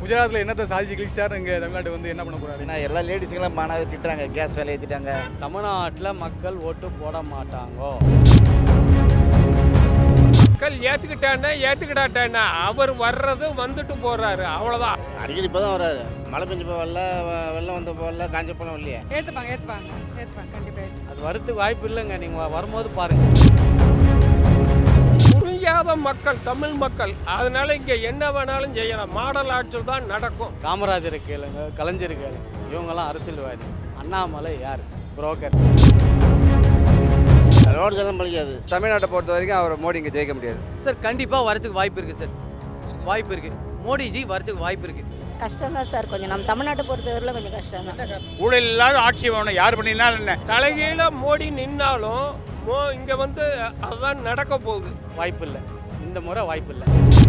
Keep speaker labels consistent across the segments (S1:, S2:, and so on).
S1: குஜராத்தில் என்னத்தை சாதிச்சு கிழிச்சிட்டாரு இங்கே தமிழ்நாட்டு வந்து என்ன பண்ண போறாரு?
S2: ஏன்னா எல்லா லேடிஸுங்களும் மாணவர் திட்டுறாங்க, கேஸ் வேலை ஏற்றிட்டாங்க.
S3: தமிழ்நாட்டில் மக்கள் ஓட்டு போட மாட்டாங்கோ.
S4: மக்கள் ஏற்றுக்கிட்டான்னா அவர் வர்றது வந்துட்டு போகிறாரு, அவ்வளோதான்.
S5: அடிக்கடி இப்போ தான் வராரு. மழை பெஞ்சு போகல, வெள்ளம் வந்த போகல, காஞ்ச போனோம் இல்லையா?
S6: ஏற்றுப்பாங்க கண்டிப்பாக.
S3: அது வரத்துக்கு வாய்ப்பு இல்லைங்க. நீங்கள் வரும்போது பாருங்கள்.
S4: புரியாத மக்கள், தமிழ் மக்கள், அதனால இங்கே என்ன வேணாலும் செய்யலாம். மாடல் ஆட்சியில் தான் நடக்கும்.
S3: காமராஜரை கேளுங்க, கலைஞர் கேளுங்க, இவங்கெல்லாம் அரசியல்வாதி. அண்ணாமலை யார்? புரோக்கர்.
S5: ரோடு ஜனம் பழிக்காது.
S2: தமிழ்நாட்டை பொறுத்த வரைக்கும் அவர் மோடி இங்கே ஜெயிக்க முடியாது
S7: சார். கண்டிப்பாக வரதுக்கு வாய்ப்பு இருக்குது சார், வாய்ப்பு இருக்குது. மோடிஜி வரதுக்கு வாய்ப்பு இருக்குது.
S6: கஷ்டம் தான் சார், கொஞ்சம் நம்ம தமிழ்நாட்டை பொறுத்தவரையில் கொஞ்சம் கஷ்டம் தான்.
S8: ஊழல் இல்லாத ஆட்சி வேணும், யார் பண்ணினாலும் என்ன.
S4: தலைகீழ மோடி நின்னாலும் இங்கே வந்து அதுதான் நடக்க போகுது.
S3: வாய்ப்பு இல்லை, இந்த முறை வாய்ப்பு இல்லை.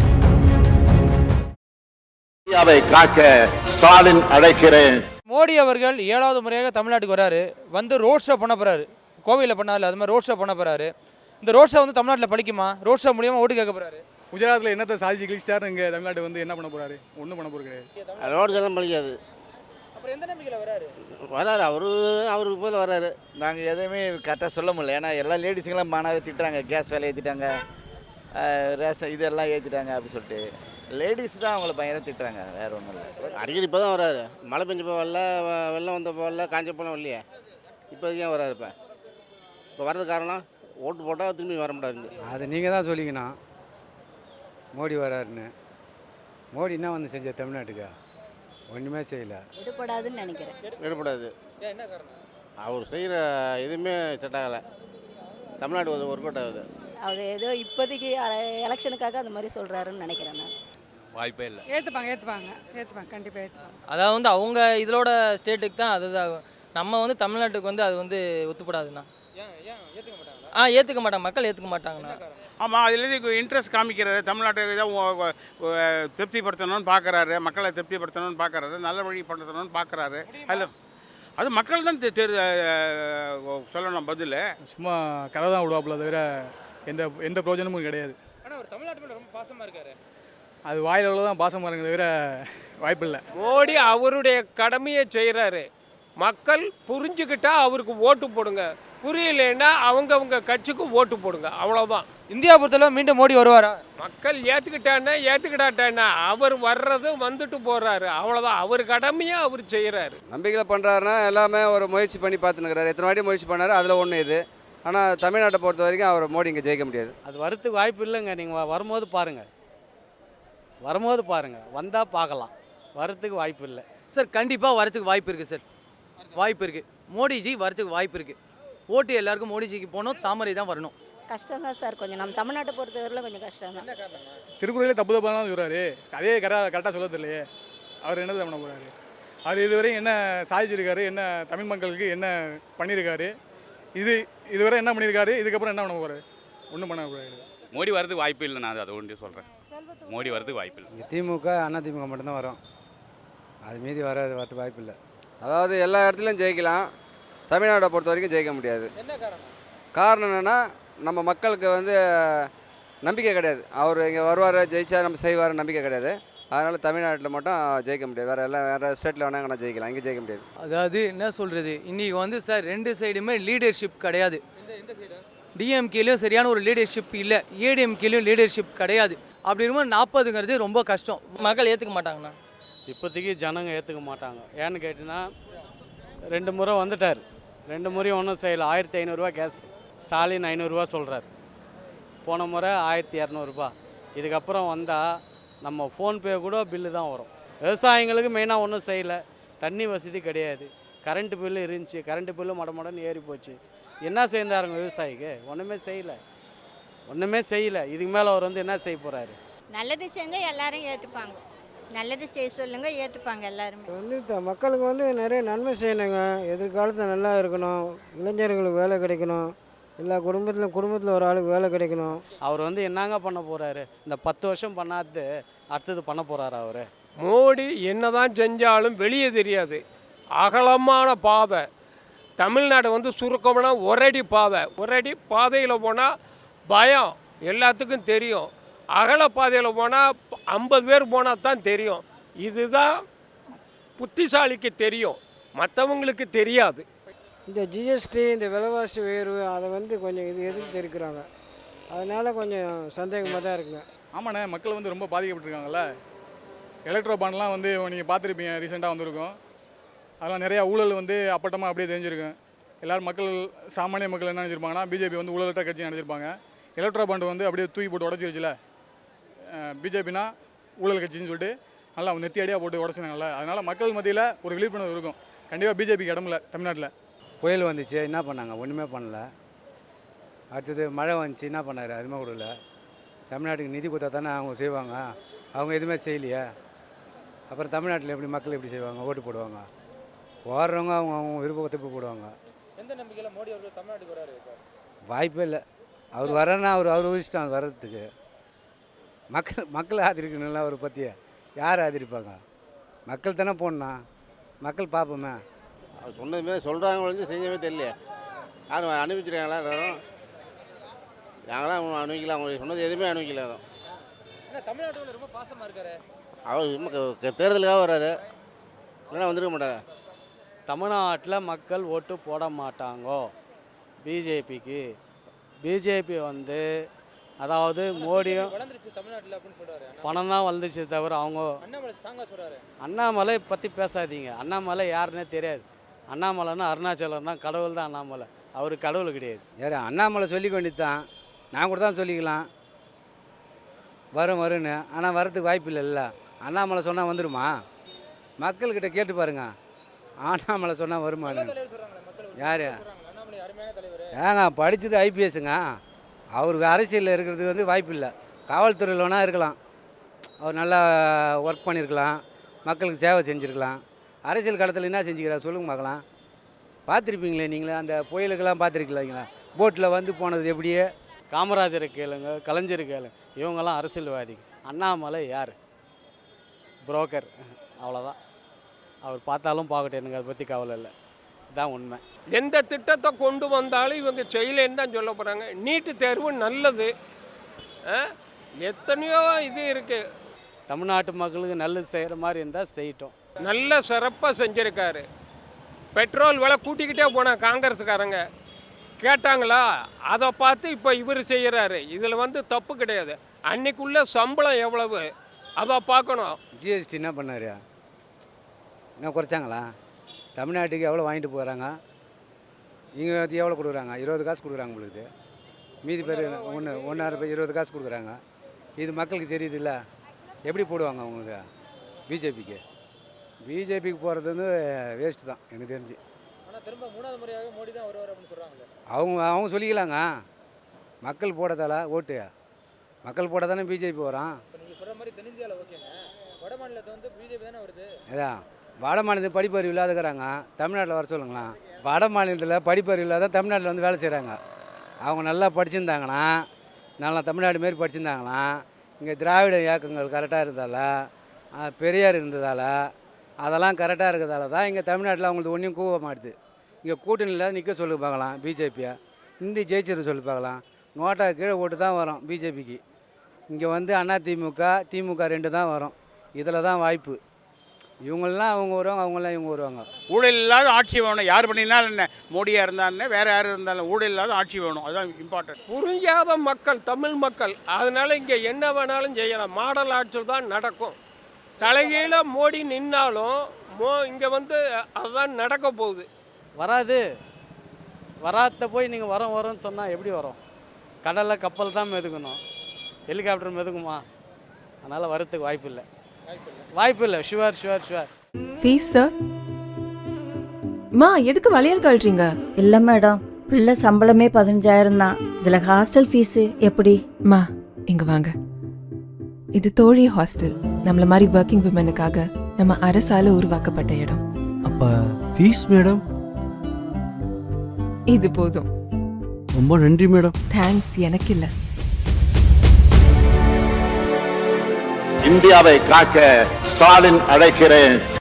S9: இந்தியாவை காக்க ஸ்டாலின் அழைக்கிறேன்.
S10: மோடி அவர்கள் 7வது முறையாக தமிழ்நாட்டுக்கு வராரு. வந்து ரோட் ஷோ பண்ண போறாரு. கோவையில் பண்ணால அது மாதிரி ரோட் ஷோ பண்ண போறாரு. இந்த ரோட் ஷோ வந்து தமிழ்நாட்டில் பழிக்குமா? ரோட் ஷோ மூலியமா ஓட்டு கேட்க போறாரு.
S1: குஜராத்தில் என்னத்தை சாதிச்சு கிழிச்சிட்டாரு இங்கே தமிழ்நாட்டு வந்து என்ன பண்ண போறாரு? ஒன்றும் பண்ண போறது கிடையாது.
S5: ரோடு ஜனம் பழிக்காது.
S10: அப்புறம் எந்த நம்பிக்கையில் வராரு?
S5: வராரு, அவருக்கு போல வராரு.
S2: நாங்கள் எதுவுமே கரெக்டாக சொல்ல முடியல. ஏன்னா எல்லா லேடிஸுங்களும் மாணவர் திட்டுறாங்க, கேஸ் வேலை ஏற்றிட்டாங்க, ரேஷன் இதெல்லாம் ஏற்றிட்டாங்க அப்படின்னு சொல்லிட்டு லேடிஸ் தான் அவங்கள பயங்கரம் திட்டுறாங்க, வேறு ஒன்றும் இல்லை.
S5: அடிக்கடி இப்போ தான் வராரு. மழை பெஞ்சு போகல, வெள்ளம் வந்த போகல, காஞ்ச போனோம் இல்லையா? இப்போதைக்கு ஏன் வராரு? இப்போ வர்றது காரணம் ஓட்டு போட்டால் திரும்பி வர முடியாது.
S3: அது நீங்கள் தான் சொல்லிக்கணும். மோடி வராருன்னு. மோடி என்ன வந்து செஞ்ச தமிழ்நாட்டுக்கு? ஒன்றுமே செய்யலை.
S6: எடுபடாதுன்னு நினைக்கிறேன்.
S5: எடுப்படாது.
S10: என்ன காரணம்?
S5: அவர் செய்கிற எதுவுமே செட் ஆகலை. தமிழ்நாடு ஒரு ஒர்க் அவுட் ஆகுது.
S6: அவர் ஏதோ இப்போதைக்கு எலெக்ஷனுக்காக அந்த மாதிரி சொல்கிறாருன்னு நினைக்கிறேன் நான்.
S3: வாய்ப்பே இல்லை.
S6: ஏற்றுப்பாங்க கண்டிப்பாக ஏற்றுப்பாங்க.
S7: அதாவது வந்து அவங்க இதோட ஸ்டேட்டுக்கு தான் அது நம்ம வந்து தமிழ்நாட்டுக்கு வந்து அது வந்து ஒத்துப்படாதுண்ணா. ஏற்றுக்க மாட்டாங்க, மக்கள் ஏற்றுக்க மாட்டாங்கண்ணா.
S8: ஆமாம், அதுலேருந்து இன்ட்ரெஸ்ட் காமிக்கிறாரு. தமிழ்நாட்டை தான் திருப்திப்படுத்தணும்னு பார்க்குறாரு, மக்களை திருப்திப்படுத்தணும்னு பார்க்குறாரு, நல்ல வழி படுத்தணும்னு பார்க்குறாரு. அதில் அது மக்கள் தான் சொல்லணும் பதில்.
S1: சும்மா கதை தான் விடுவாப்புல தவிர எந்த பிரயோஜனமும் கிடையாது.
S10: ஆனால் அவர் தமிழ்நாட்டு மேலே ரொம்ப பாசமாக இருக்காரு.
S1: அது வாயில தான் பாசமாக இருக்க தவிர வாய்ப்பு இல்லை.
S4: மோடி அவருடைய கடமையை செய்கிறாரு. மக்கள் புரிஞ்சுக்கிட்டா அவருக்கு ஓட்டு போடுங்க, புரியலைன்னா அவங்க கட்சிக்கு ஓட்டு போடுங்க, அவ்வளோதான்.
S10: இந்தியா பொறுத்தளவு மீண்டும் மோடி வருவாரா?
S4: மக்கள் ஏற்றுக்கிட்டான்னா அவர் வர்றது வந்துட்டு போகிறாரு, அவ்வளோதான். அவர் கடமையை அவர் செய்கிறாரு.
S2: நம்பிக்கையில் பண்ணுறாருன்னா எல்லாமே ஒரு முயற்சி பண்ணி பார்த்துன்னுக்கிறாரு. எத்தனை வாட்டி முயற்சி பண்ணார், அதில் ஒன்று இது. ஆனால் தமிழ்நாட்டை பொறுத்த வரைக்கும் அவர் மோடி இங்கே ஜெயிக்க முடியாது.
S3: அது வரத்துக்கு வாய்ப்பு இல்லைங்க. நீங்கள் வரும்போது பாருங்கள், வந்தால் பார்க்கலாம். வரத்துக்கு வாய்ப்பு இல்லை
S7: சார். கண்டிப்பாக வரதுக்கு வாய்ப்பு இருக்குது சார், வாய்ப்பு இருக்குது. மோடிஜி வரதுக்கு வாய்ப்பு இருக்குது. ஓட்டு எல்லாருக்கும் மோடிஜிக்கு போகணும், தாமரை தான் வரணும்.
S6: கஷ்டம் தான் சார், கொஞ்சம் நம்ம தமிழ்நாட்டை பொறுத்தவரையில் கொஞ்சம் கஷ்டம் தான்.
S1: திருக்குறளே தப்பு தப்பாக சொல்கிறாரு. அதே கரெக்டாக சொல்ல தெரியலையே. அவர் என்னது பண்ண போகிறாரு? அவர் இதுவரையும் என்ன சாதிச்சிருக்காரு, என்ன தமிழ் மக்களுக்கு என்ன பண்ணியிருக்காரு, இதுவரை என்ன பண்ணியிருக்காரு, இதுக்கப்புறம் என்ன பண்ண போகிறாரு? ஒன்றும் பண்ண போகிறாரு.
S8: மோடி வரதுக்கு வாய்ப்பு இல்லை. நான் அதை ஒன்று சொல்கிறேன், மோடி வரதுக்கு வாய்ப்பு இல்லை.
S3: இங்கே திமுக, அதிமுக மட்டும்தான் வரும். அது மீதி வரதுக்கு வாய்ப்பு இல்லை.
S2: அதாவது எல்லா இடத்துலையும் ஜெயிக்கலாம், தமிழ்நாட்டை பொறுத்த வரைக்கும் ஜெயிக்க முடியாது.
S10: என்ன காரணம்?
S2: காரணம் என்னென்னா நம்ம மக்களுக்கு வந்து நம்பிக்கை கிடையாது. அவர் இங்கே வருவார், ஜெயிச்சா நம்ம செய்வார், நம்பிக்கை கிடையாது. அதனால் தமிழ்நாட்டில் மட்டும் ஜெயிக்க முடியாது. வேறு ஸ்டேட்டில் வேணால் ஜெயிக்கலாம், இங்கே ஜெயிக்க முடியாது.
S7: அதாவது என்ன சொல்கிறது, இன்றைக்கி வந்து சார் ரெண்டு சைடுமே லீடர்ஷிப் கிடையாது. டிஎம்கேலையும் சரியான ஒரு லீடர்ஷிப் இல்லை, ஏடிஎம்கேலையும் லீடர்ஷிப் கிடையாது. அப்படி இருக்கும்போது 40ங்கிறது ரொம்ப கஷ்டம். மக்கள் ஏற்றுக்க மாட்டாங்கண்ணா.
S3: இப்போதைக்கு ஜனங்க ஏற்றுக்க மாட்டாங்க. ஏன்னு கேட்டிங்கன்னா 2 முறை வந்துட்டார், 2 முறையும் ஒன்றும் செய்யலை. 1500 கேஸ், ஸ்டாலின் 500 சொல்கிறார். போன முறை 1200. இதுக்கப்புறம் வந்தால் நம்ம ஃபோன்பே கூட பில்லு தான் வரும். விவசாயிங்களுக்கு மெயினாக ஒன்றும் செய்யலை. தண்ணி வசதி கிடையாது, கரண்ட்டு பில்லு இருந்துச்சு, கரண்ட்டு பில்லு மடமடன்னு ஏறி போச்சு. என்ன செய்தாருங்க விவசாயிக்கு? ஒன்றுமே செய்யலை. இதுக்கு மேலே அவர் வந்து என்ன செய்ய போகிறாரு?
S6: நல்லது செஞ்சால் எல்லாரும் ஏற்றுப்பாங்க. நல்லது செய்ய சொல்லுங்க, ஏற்றுப்பாங்க எல்லாருமே.
S11: வந்து மக்களுக்கு வந்து நிறைய நன்மை செய்யணுங்க. எதிர்காலத்தில் நல்லா இருக்கணும், இளைஞர்களுக்கு வேலை கிடைக்கணும், எல்லா குடும்பத்தில் ஒரு ஆளுக்கு வேலை கிடைக்கணும்.
S3: அவர் வந்து என்னங்க பண்ண போகிறாரு? இந்த 10 வருஷம் பண்ணாது அடுத்தது பண்ண போகிறாரு அவர்?
S4: மோடி என்னதான் செஞ்சாலும் வெளியே தெரியாது. அகலமான பாதை. தமிழ்நாடு வந்து சுருக்கமான ஒரடி பாதையில் போனால் பயம் எல்லாத்துக்கும் தெரியும். அகல பாதையில் போனால் 50 பேர் போனால் தான் தெரியும். இதுதான் புத்திசாலிக்கு தெரியும், மற்றவங்களுக்கு தெரியாது.
S11: இந்த ஜிஎஸ்டி இந்த விலைவாசி உயர்வு அதை வந்து கொஞ்சம் எதிர்த்து இருக்கிறாங்க. அதனால் கொஞ்சம் சந்தேகமாக தான் இருக்குங்க.
S1: ஆமாண்ணே, மக்கள் வந்து ரொம்ப பாதிக்கப்பட்டிருக்காங்கல்ல. எலக்ட்ரோ பாண்ட்லாம் வந்து நீங்கள் பார்த்துருப்பீங்க, ரீசெண்டாக வந்திருக்கும். அதெல்லாம் நிறையா ஊழல் வந்து அப்பட்டமாக அப்படியே தெரிஞ்சிருக்கும். எல்லோரும் மக்கள், சாமானிய மக்கள் என்ன நினச்சிருப்பாங்கன்னா, பிஜேபி வந்து ஊழலற்ற கட்சி நினச்சிருப்பாங்க. எலக்ட்ரோ பாண்ட் வந்து அப்படியே தூக்கி போட்டு உடச்சிருச்சுல, பிஜேபினா ஊழல் கட்சின்னு சொல்லிட்டு நல்லா நெத்தி அடியாக போட்டு உடச்சினாங்கல்ல. அதனால் மக்கள் மத்தியில் ஒரு விழிப்புணர்வு இருக்கும். கண்டிப்பாக பிஜேபிக்கு இடமில்ல தமிழ்நாட்டில்.
S2: புயல் வந்துச்சு, என்ன பண்ணாங்க? ஒன்றுமே பண்ணல. அடுத்தது மழை வந்துச்சு, என்ன பண்ணார்? அதுவுமே கொடுக்கல. தமிழ்நாட்டுக்கு நிதி கொடுத்தா தானே அவங்க செய்வாங்க. அவங்க எதுவுமே செய்யலையே. அப்புறம் தமிழ்நாட்டில் எப்படி மக்கள் எப்படி செய்வாங்க? ஓட்டு போடுவாங்க. ஓடுறவங்க அவங்க விருப்பத்தை போடுவாங்க.
S10: எந்த நம்பிக்கையில் மோடி அவர்கள் தமிழ்நாட்டுக்கு வராரு?
S2: வாய்ப்பே இல்லை. அவர் வரேன்னா அவர் இஷ்டம் வர்றதுக்கு. மக்கள் ஆதரிக்கணும்ல அவரை பற்றிய. யார் ஆதரிப்பாங்க? மக்கள் தானே போடணும். மக்கள் பார்ப்போமே.
S5: அவர் சொன்னதுமே சொல்கிறாங்க வந்து செஞ்சவே தெரியல. யாரும் அனுபவிச்சிருக்காங்களா? எல்லாரும் நாங்களாம் அனுபவிக்கலாம். அவங்க சொன்னது எதுவுமே அனுபவிக்கல.
S10: தமிழ்நாட்டில் ரொம்ப பாசமாக இருக்காரு
S5: அவர். தேர்தலுக்காக வர்றாரு, இல்லைன்னா வந்துருக்க மாட்டார்.
S3: தமிழ்நாட்டில் மக்கள் ஓட்டு போட மாட்டாங்கோ பிஜேபிக்கு. பிஜேபி வந்து அதாவது மோடியும்
S10: தமிழ்நாட்டில் அப்படின்னு சொல்கிறாரு.
S3: பணம் தான் வந்துச்சு தவிர அவங்க
S10: அண்ணாமலை ஸ்ட்ராங்காக சொல்கிறாரு.
S3: அண்ணாமலை பற்றி பேசாதீங்க. அண்ணாமலை யாருன்னே தெரியாது. அண்ணாமலைன்னா அருணாச்சலம் தான், கடவுள் தான் அண்ணாமலை. அவர் கடவுள் கிடையாது.
S2: யார் அண்ணாமலை சொல்லிக்க வேண்டியது தான். நான் கூட தான் சொல்லிக்கலாம் வரும்னு. ஆனால் வரதுக்கு வாய்ப்பு இல்லைல்ல. அண்ணாமலை சொன்னால் வந்துடுமா? மக்கள்கிட்ட கேட்டு பாருங்க. அண்ணாமலை சொன்னால் வருமானு. யார்? ஏங்க படித்தது ஐபிஎஸ்ங்க. அவர் அரசியலில் இருக்கிறதுக்கு வந்து வாய்ப்பு இல்லை. காவல்துறையில் வேணால் இருக்கலாம். அவர் நல்லா ஒர்க் பண்ணியிருக்கலாம், மக்களுக்கு சேவை செஞ்சுருக்கலாம். அரசியல் களத்தில் என்ன செஞ்சுக்கிறார் சொல்லுங்க பார்க்கலாம். பார்த்துருப்பீங்களே நீங்களே, அந்த புயலுக்கெல்லாம் பார்த்துருக்கீங்களா? போட்டில் வந்து போனது எப்படியே.
S3: காமராஜரை கேளுங்க, கலைஞர் கேளுங்க, இவங்கெல்லாம் அரசியல்வாதி. அண்ணாமலை யார்? புரோக்கர், அவ்வளோதான். அவர் பார்த்தாலும் பார்க்கட்டும், எனக்கு அதை பற்றி கவலை இல்லை. இதுதான் உண்மை.
S4: எந்த திட்டத்தை கொண்டு வந்தாலும் இவங்க செய்யலேன்னு தான் சொல்ல போகிறாங்க. நீட்டு தேர்வு நல்லது, எத்தனையோ இது இருக்குது.
S3: தமிழ்நாட்டு மக்களுக்கு நல்லது செய்கிற மாதிரி இருந்தால் செய்யட்டும்.
S4: நல்ல சிறப்பாக செஞ்சுருக்காரு. பெட்ரோல் விலை கூட்டிக்கிட்டே போனால் காங்கிரஸுக்காரங்க கேட்டாங்களா? அதை பார்த்து இப்போ இவர் செய்கிறாரு. இதில் வந்து தப்பு கிடையாது. அன்னைக்குள்ள சம்பளம் எவ்வளவு அதை பார்க்கணும்.
S2: ஜிஎஸ்டி என்ன பண்ணார்? என்ன குறைச்சாங்களா? தமிழ்நாட்டுக்கு எவ்வளோ வாங்கிட்டு போகிறாங்க? இங்கே எவ்வளோ கொடுக்குறாங்க? 20 காசு கொடுக்குறாங்க உங்களுக்கு. மீதி பேர் ஒன்றரை பேர் 20 காசு கொடுக்குறாங்க. இது மக்களுக்கு தெரியுது இல்லை? எப்படி போடுவாங்க அவங்களுக்கு? பிஜேபிக்கு போகிறது வந்து வேஸ்ட்டு தான் எனக்கு தெரிஞ்சு.
S10: ஆனால் திரும்ப 3வது முறையாக மோடி தான் வருவார் அப்படின்னு சொல்கிறாங்க.
S2: அவங்க சொல்லிக்கலாங்க. மக்கள் போடதால ஓட்டு, மக்கள் போட தானே பிஜேபி வரான்.
S10: இப்போ நீங்கள் சொல்கிற மாதிரி தென்னிந்தியாவில் ஓகேங்க, வட மாநிலத்தை வந்து பிஜேபி தானே வருது.
S2: அதான் வட மாநிலத்தில் படிப்பறிவு இல்லாதக்கிறாங்க. தமிழ்நாட்டில் வர சொல்லுங்களேன். வட மாநிலத்தில் படிப்பறிவு இல்லாத தமிழ்நாட்டில் வந்து வேலை செய்கிறாங்க. அவங்க நல்லா படிச்சிருந்தாங்கன்னா, நல்லா தமிழ்நாடு மாரி படிச்சிருந்தாங்கன்னா, இங்கே திராவிட இயக்கங்கள் கரெக்டாக இருந்ததால், பெரியார் இருந்ததால், அதெல்லாம் கரெக்டாக இருக்கிறதால தான் இங்கே தமிழ்நாட்டில் அவங்களுக்கு ஒன்றும் கூவ மாட்டுது. இங்கே கூட்டணியில் நிற்க சொல்லி பார்க்கலாம் பிஜேபியை. இந்தி ஜெயிச்சிரு சொல்லி பார்க்கலாம். நோட்டா கீழே ஓட்டு தான் வரும் பிஜேபிக்கு. இங்கே வந்து திமுக 2 தான் வரும். இதில் தான் வாய்ப்பு. இவங்களாம் அவங்க வருவாங்க, அவங்களாம் இவங்க வருவாங்க.
S8: ஊழல் இல்லாத ஆட்சி வேணும். யார் பண்ணினாலும் என்ன, மோடியாக இருந்தாலும் வேறு யார் இருந்தாலும் ஊழல் இல்லாத ஆட்சி வேணும். அதுதான் இம்பார்ட்டன்ட்.
S4: புரியாத மக்கள், தமிழ் மக்கள். அதனால் இங்கே என்ன வேணாலும் செய்யலாம். மாடல் ஆட்சி தான் நடக்கும். தலைகீழ மோடி நின்னாலும் இங்கே வந்து அதுதான் நடக்க போகுது.
S3: வராது. வராத போய் நீங்கள் வரோன்னு சொன்னால் எப்படி வரும்? கடலில் கப்பல் தான் மிதக்கணும், ஹெலிகாப்டர் மிதக்குமா? அதனால் வரத்துக்கு வாய்ப்பு இல்லை. ஷுவர்.
S12: Fees sir? மா எதுக்கு வளையல் கழட்டுறீங்க?
S13: இல்லை மேடம், பிள்ளை சம்பளமே 15,000 தான். இதில் ஹாஸ்டல் ஃபீஸு எப்படி?
S12: மா இங்க வாங்க. இது தோழி ஹாஸ்டல். நம்மள மாதிரி ஒர்க்கிங் விமனுக்காக நம்ம அரசால உருவாக்கப்பட்ட இடம்.
S14: அப்ப ஃபீஸ் மேடம்?
S12: இது போதும்.
S14: ரொம்ப நன்றி மேடம்.
S12: தேங்க்ஸ் எனக்கு இல்லை.
S9: இந்தியாவை காக்க ஸ்டாலின் அழைக்கிறேன்.